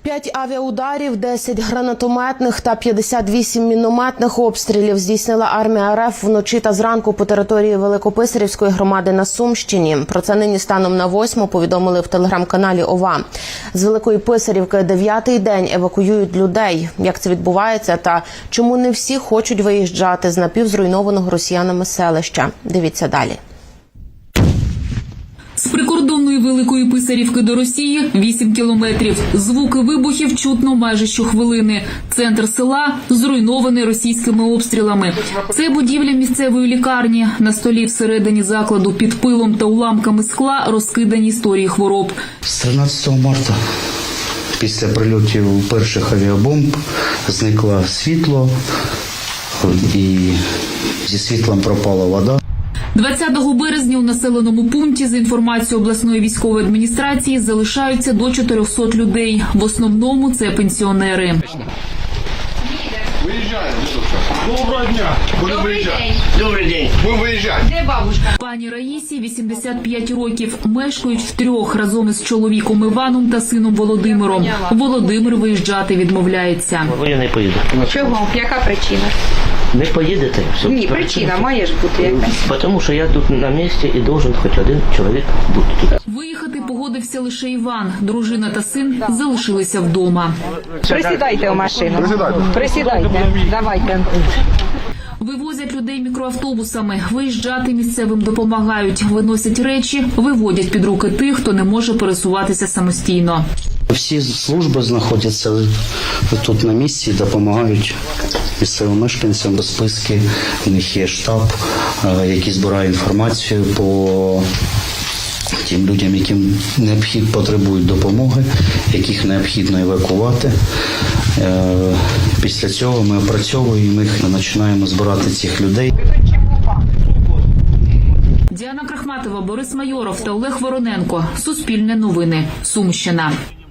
5 авіаударів, 10 гранатометних та 58 мінометних обстрілів здійснила армія РФ вночі та зранку по території Великописарівської громади на Сумщині. Про це нині станом на 8 повідомили в телеграм-каналі ОВА. З Великої Писарівки 9-й день евакуюють людей. Як це відбувається та чому не всі хочуть виїжджати з напівзруйнованого росіянами селища? Дивіться далі. З прикордонної Великої Писарівки до Росії 8 кілометрів. Звуки вибухів чутно майже щохвилини. Центр села зруйнований російськими обстрілами. Це будівля місцевої лікарні. На столі всередині закладу під пилом та уламками скла розкидані історії хвороб. З 13 марта після прильотів перших авіабомб зникло світло і зі світлом пропала вода. 20 березня у населеному пункті, за інформацією обласної військової адміністрації, залишаються до 400 людей. В основному це пенсіонери. Виїжджаємо. Доброго дня. Добрий день. Добрий день. Ми виїжджаємо. Де бабушка? Пані Раїсі 85 років. Мешкають втрьох разом із чоловіком Іваном та сином Володимиром. Володимир виїжджати відмовляється. Я не поїду. Чого? Яка причина? Не поїдете? Ні, причина має ж бути якась. Тому що я тут на місці і должен хоч один чоловік бути тут. Виїхати погодився лише Іван. Дружина та син залишилися вдома. Присідайте в машину. Присідайте. Давайте. Вивозять людей мікроавтобусами. Виїжджати місцевим допомагають. Виносять речі, виводять під руки тих, хто не може пересуватися самостійно. Всі служби знаходяться тут на місці і допомагають місцевим мешканцям. Списки, у них є штаб, який збирає інформацію по тим людям, яким потребують допомоги, яких необхідно евакувати. Після цього ми опрацьовуємо їх, ми починаємо збирати цих людей. Діана Крахматова, Борис Майоров та Олег Вороненко. Суспільне новини. Сумщина.